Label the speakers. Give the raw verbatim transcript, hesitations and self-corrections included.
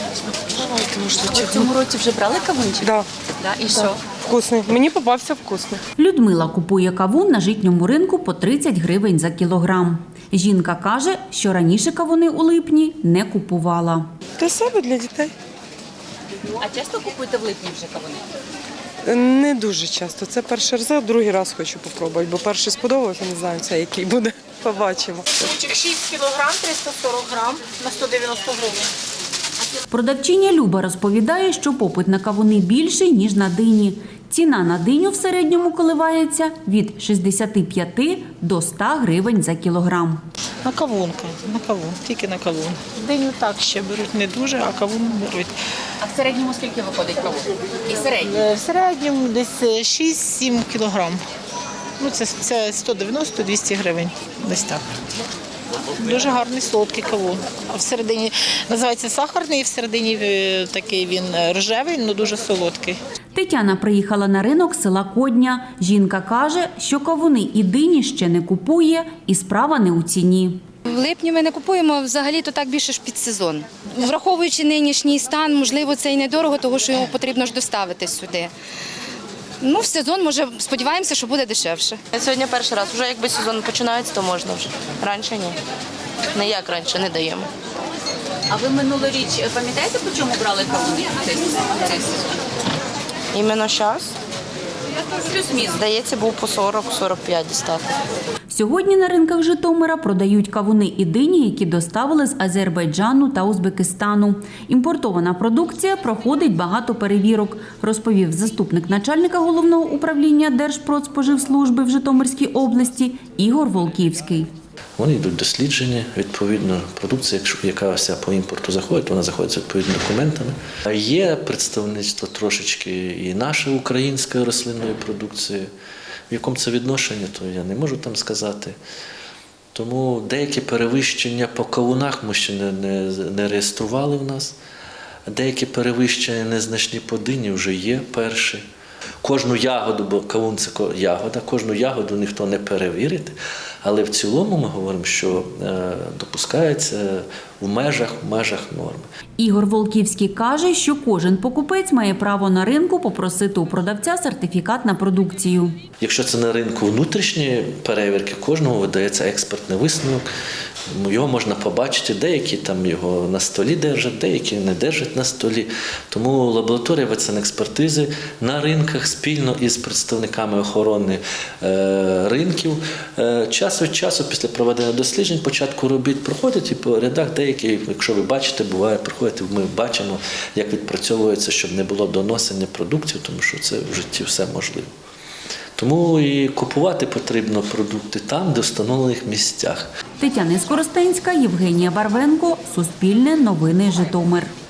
Speaker 1: Давайте, може,
Speaker 2: Ви в цьому році вже брали кавунчик?
Speaker 1: Да.
Speaker 2: Да? І що?
Speaker 1: Вкусний. Мені попався вкусний.
Speaker 3: Людмила купує кавун на житньому ринку по тридцять гривень за кілограм. Жінка каже, що раніше кавуни у липні не купувала.
Speaker 1: Для себе, для дітей.
Speaker 2: А часто купуєте в липні вже кавуни?
Speaker 1: Не дуже часто. Це перший раз, а другий раз хочу попробувати, бо перший сподобався, не знаю, це який буде. Побачимо.
Speaker 4: шість кілограм, триста сорок грам на сто дев'яносто гривень.
Speaker 3: Продавчиня Люба розповідає, що попит на кавуни більший, ніж на дині. Ціна на диню в середньому коливається від шістдесят п'ять до ста гривень за кілограм.
Speaker 4: На кавунка, на кавун, тільки на кавун. Диню так ще беруть не дуже, а кавун беруть.
Speaker 2: А в середньому скільки виходить кавун? І середній?
Speaker 4: Е, В середньому десь шість-сім кілограм. Ну, це, це сто дев'яносто - двісті гривень, десь так. Дуже гарний солодкий кавун. А всередині називається сахарний, і всередині е, такий він рожевий, але дуже солодкий.
Speaker 3: Тетяна приїхала на ринок села Кодня. Жінка каже, що кавуни і дині ще не купує, і справа не у ціні.
Speaker 5: В липні ми не купуємо, взагалі-то так більше ж під сезон. Враховуючи нинішній стан, можливо, це і недорого, тому що його потрібно ж доставити сюди. Ну, в сезон, може, сподіваємося, що буде дешевше.
Speaker 6: Сьогодні перший раз. Вже якби сезон починається, то можна вже. Раніше ні. Не як раніше, не даємо.
Speaker 2: А ви минулоріч пам'ятаєте, по чому брали кавуни в цей в цей сезон?
Speaker 6: Іменно зараз,
Speaker 2: Плюс-мінус.
Speaker 6: здається, був по сорок - сорок п'ять дістати.
Speaker 3: Сьогодні на ринках Житомира продають кавуни і дині, які доставили з Азербайджану та Узбекистану. Імпортована продукція проходить багато перевірок, розповів заступник начальника головного управління Держпродспоживслужби в Житомирській області Ігор Волківський.
Speaker 7: Вони йдуть дослідження, відповідно, продукція, яка вся по імпорту заходить, вона заходить з відповідними документами. Є представництво трошечки і нашої української рослинної продукції. В якому це відношенні, то я не можу там сказати. Тому деякі перевищення по кавунах ми ще не, не, не реєстрували в нас. Деякі перевищення незначні по дині вже є перші. Кожну ягоду, бо кавун – це ягода, кожну ягоду ніхто не перевірить, але в цілому ми говоримо, що е, допускається в межах, в межах норми.
Speaker 3: Ігор Волківський каже, що кожен покупець має право на ринку попросити у продавця сертифікат на продукцію.
Speaker 7: Якщо це на ринку внутрішні перевірки, кожному видається експертний висновок. Його можна побачити, деякі там його на столі держать, деякі не держать на столі. Тому лабораторія ветсанекспертизи на ринках спільно із представниками охорони е, ринків е, час від часу після проведення досліджень, початку робіт проходять і по рядах деякі, якщо ви бачите, буває, приходять, ми бачимо, як відпрацьовується, щоб не було доносення продуктів, тому що це в житті все можливо. Тому і купувати потрібно продукти там, де в встановлених місцях.
Speaker 3: Тетяна Скоростенська, Євгенія Барвенко, Суспільне новини Житомир.